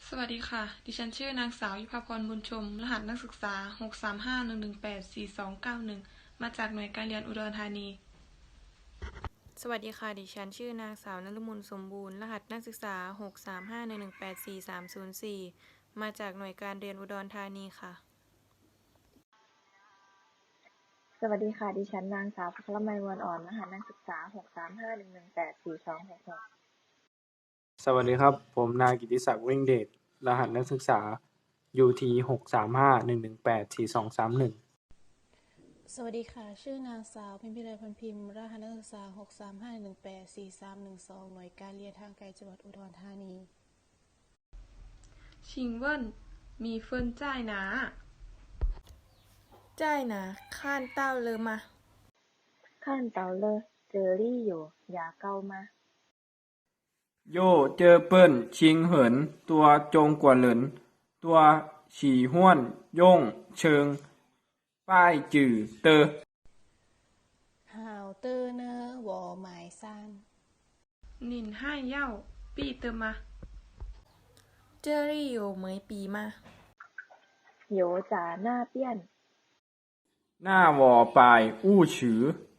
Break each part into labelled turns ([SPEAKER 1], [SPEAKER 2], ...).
[SPEAKER 1] สวัสดีค่ะ ดิฉันชื่อนางสาวยุภาพรบุญชม รหัสนักศึกษา63511842291มาจากหน่วยการเรียนอุดรธานี
[SPEAKER 2] สวัสดีค่ะ ดิฉันชื่อนางสาวนฤมลสมบูรณ์ รหัสนักศึกษา63511843304มาจากหน่วยการเรียนอุดรธานีค่ะ
[SPEAKER 3] สวัสดีค่ะ ดิฉันนางสาวพัชรมัยวรอ่อน รหัสนักศึกษา63511842266
[SPEAKER 4] สวัสดีครับผมนายกิติศักดิ์เว่งเดชรหัสนักศึกษา UT 63511842231
[SPEAKER 5] สวัสดีค่ะ ชื่อนางสาวพิมพิไลพรพิมพ์ รหัสนักศึกษา635184312หน่วยการเรียนทางไกลจังหวัดอุดรธานี
[SPEAKER 1] ชิงเวินมีเฟินจ่ายหนา
[SPEAKER 2] จ่ายนะข้านเต้าเลยมา
[SPEAKER 3] 看到了这里有牙膏吗
[SPEAKER 4] โย่เจอเปิ้นชิงเหินตัวจงกว่าเหลินตัวฉี่ห้วนย่งเชิงป้ายจื่อเตอ
[SPEAKER 5] ฮาวเตอร์เนอร์วอหมายซาน
[SPEAKER 1] นินให้เย่าปี้เตอมา
[SPEAKER 2] เจอรี่อยู่เหมยปีมา
[SPEAKER 3] 有在那边
[SPEAKER 4] หน้าวอปลายอู้ฉือ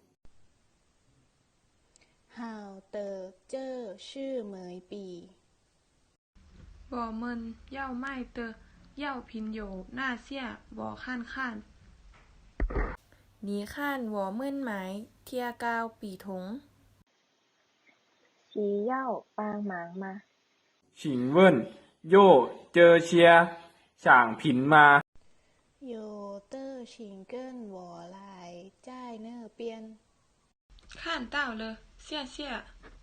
[SPEAKER 5] ฮาวเตอร์เจอชื่อเหมยปี
[SPEAKER 1] บ่เมินเย่าไม่เตอเย่าพินโยหน้าเสี่ยบ่ข้านข้าน
[SPEAKER 2] หนีข้านวอเมื่นหมายเทียกาวปีถง
[SPEAKER 3] 需要帮忙吗
[SPEAKER 4] ฉิงเวินโย่เจอเชียฉ่างผินมา
[SPEAKER 5] โยเตอร์ชิงเกิลวอลายจ่ายเนอร์เปียน
[SPEAKER 1] ข้านเต้าเลยเสี่ยเสี่ย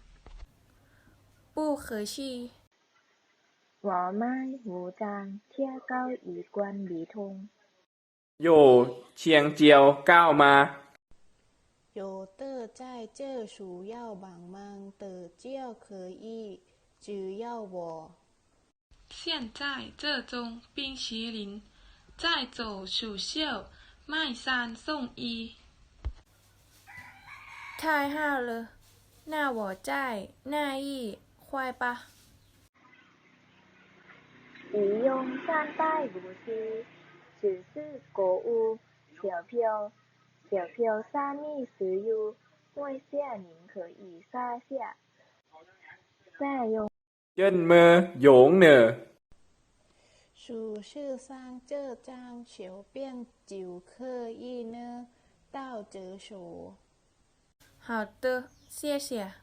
[SPEAKER 2] ปู้เคยชี
[SPEAKER 3] 我买五张贴膏一罐鼻通
[SPEAKER 4] โย่เชียงเจียวก้าวมา
[SPEAKER 5] โยเตอร์จ่ายเจอสูเย่าบางมังเตอเจียวเคยอี้จือเย่าวอ
[SPEAKER 1] 现在这中冰淇淋再走蜀绣麦山送一
[SPEAKER 2] ทายห้าวเลยหน้าหวอจ่ายหน้าอี้ควายปะ
[SPEAKER 3] 不用三代无息只是购物小票小票三米石油外下您可以撒下再用
[SPEAKER 4] เจิ้นเมอโหยงเหน่อ
[SPEAKER 5] 数ชื่อสร้างเจ้อจางเฉียวเปี้ยนจิ๋วเคออี้เนอเต้าเจอโฉ
[SPEAKER 2] 好的谢谢